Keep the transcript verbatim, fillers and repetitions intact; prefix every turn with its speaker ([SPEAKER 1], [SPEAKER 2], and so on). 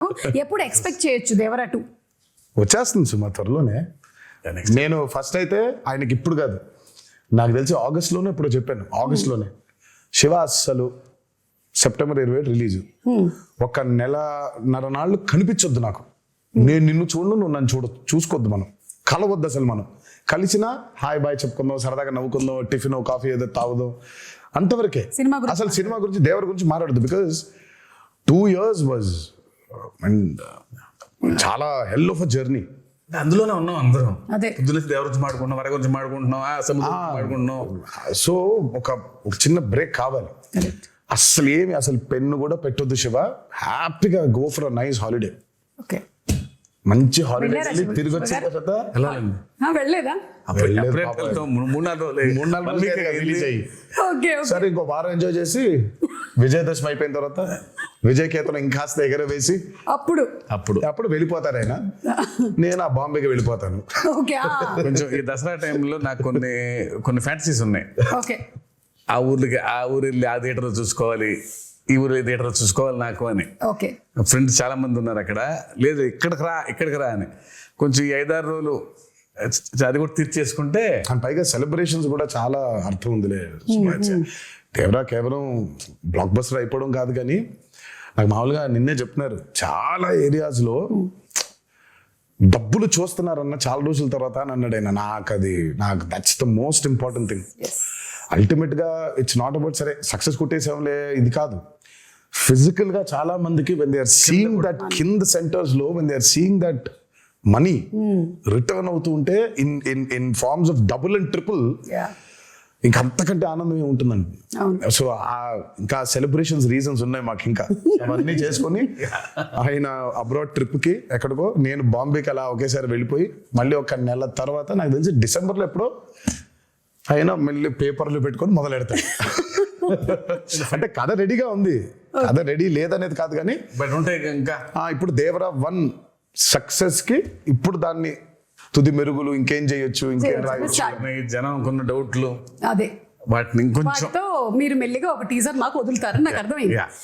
[SPEAKER 1] ఎప్పుడు ఎక్స్పెక్ట్ చేయొచ్చు దేవరా టూ?
[SPEAKER 2] వచ్చేస్తుంది సుమా త్వరలోనే. నేను ఫస్ట్ అయితే ఆయనకి ఇప్పుడు కాదు, నాకు తెలిసి ఆగస్ట్లోనే ఇప్పుడు చెప్పాను, ఆగస్ట్లోనే శివ అస్సలు సెప్టెంబర్ ఇరవై ఏడు రిలీజ్. ఒక నెలన్నర నాళ్ళు కనిపించొద్దు నాకు, నేను నిన్ను చూడను, నువ్వు నన్ను చూడ చూసుకోవద్దు, మనం కలవద్దు అసలు. మనం కలిసినా హాయ్ బాయ్ చెప్పుకుందాం, సరదాగా నవ్వుకుందాం, టిఫిన్ కాఫీ ఏదో తాగుదాం, అంతవరకే. అసలు సినిమా గురించి దేవర గురించి మాట్లాడదు. Because two years was and చాలా హెల్ ఆఫ్ అ జర్నీ.
[SPEAKER 3] అందులోనే ఉన్నాం అందరం.
[SPEAKER 1] అదే
[SPEAKER 3] పొద్దున్న దేవర గురించి మాడుకుంటున్నాం, వర గురించి మాడుకుంటున్నాం, సముద్రం మాడుకుంటున్నాం.
[SPEAKER 2] సో ఒక ఒక చిన్న బ్రేక్ కావాలి. అసలు ఏమి అసలు పెన్ను కూడా పెట్టొద్దు శివ, హ్యాపీగా go for a nice holiday.
[SPEAKER 1] Okay,
[SPEAKER 2] మంచి హాలిడే తిరిగి వచ్చిన తర్వాత
[SPEAKER 3] వెళ్ళాలండి.
[SPEAKER 1] వెళ్ళలేదా?
[SPEAKER 3] మూడు నాలుగు రోజులు
[SPEAKER 2] మూడు నాలుగు రోజులు రిలీజ్ అయ్యి
[SPEAKER 1] ఓకే
[SPEAKER 2] సరే ఇంకో వారం ఎంజాయ్ చేసి విజయదశమి అయిపోయిన తర్వాత విజయ్ కేతనం ఇంకాస్త ఎగర వేసి
[SPEAKER 1] అప్పుడు
[SPEAKER 3] అప్పుడు
[SPEAKER 2] అప్పుడు వెళ్ళిపోతారు ఆయన, నేను ఆ బాంబేకి వెళ్ళిపోతాను.
[SPEAKER 1] ఓకే
[SPEAKER 3] కొంచెం ఈ దసరా టైంలో నాకు కొన్ని కొన్ని ఫ్యాంటసీస్ ఉన్నాయి.
[SPEAKER 1] ఓకే,
[SPEAKER 3] ఆ ఊర్లకి ఆ ఊరు వెళ్ళి ఆ థియేటర్ చూసుకోవాలి, ఈ ఊరు థియేటర్ చూసుకోవాలి నాకు అని.
[SPEAKER 1] ఓకే,
[SPEAKER 3] ఫ్రెండ్స్ చాలా మంది ఉన్నారు అక్కడ. లేదు ఇక్కడికి రా ఇక్కడికి రా అని కొంచెం ఈ ఐదారు రోజులు అది కూడా తీర్చేసుకుంటే.
[SPEAKER 2] అండ్ పైగా సెలబ్రేషన్స్ కూడా చాలా అర్థం ఉందిలే. దేవరా కేవలం బ్లాక్ బస్టర్ అయిపోవడం కాదు, కానీ నాకు మామూలుగా నిన్నే చెప్తున్నారు చాలా ఏరియాస్లో డబ్బులు చూస్తున్నారన్న చాలా రోజుల తర్వాత అని అన్నాడు ఆయన. నాకు అది నాకు that's the most important thing. Ultimate గా ఇట్స్ నాట్ అబౌట్ సరే సక్సెస్ కొట్టేసాంలే ఇది కాదు. ఫిజికల్ గా చాలా మందికి when they are seeing that కింద సెంటర్స్ లో when they are seeing that money return అవుతూ ఉంటే in in in forms of double and triple, ఇంకా అంతకంటే ఆనందమే ఉంటుందండి. సో ఇంకా సెలబ్రేషన్స్ రీజన్స్ ఉన్నాయి మాకు, ఇంకా అవన్నీ చేసుకొని ఆయన అబ్రాడ్ ట్రిప్ కి ఎక్కడికో, నేను బాంబేకి అలా ఒకేసారి వెళ్ళిపోయి మళ్ళీ ఒక నెల తర్వాత నాకు తెలిసి డిసెంబర్లో ఎప్పుడో అయినా మళ్ళీ పేపర్లు పెట్టుకొని మొదలు పెడతాడు. అంటే కథ రెడీగా ఉంది, కథ రెడీ లేదనేది కాదు, కానీ
[SPEAKER 3] బట్ ఉంటాయి ఇంకా
[SPEAKER 2] ఇప్పుడు దేవరా వన్ సక్సెస్ కి ఇప్పుడు దాన్ని తుది మెరుగులు ఇంకేం చేయొచ్చు, ఇంకేం రాయొచ్చు,
[SPEAKER 3] జనం కొన్ని డౌట్లు
[SPEAKER 1] అదే
[SPEAKER 3] వాటిని ఇంకొంచెం
[SPEAKER 1] మీరు మెల్లిగా ఒక టీజర్ మాకు వదులుతారని నాకు అర్థమైంది.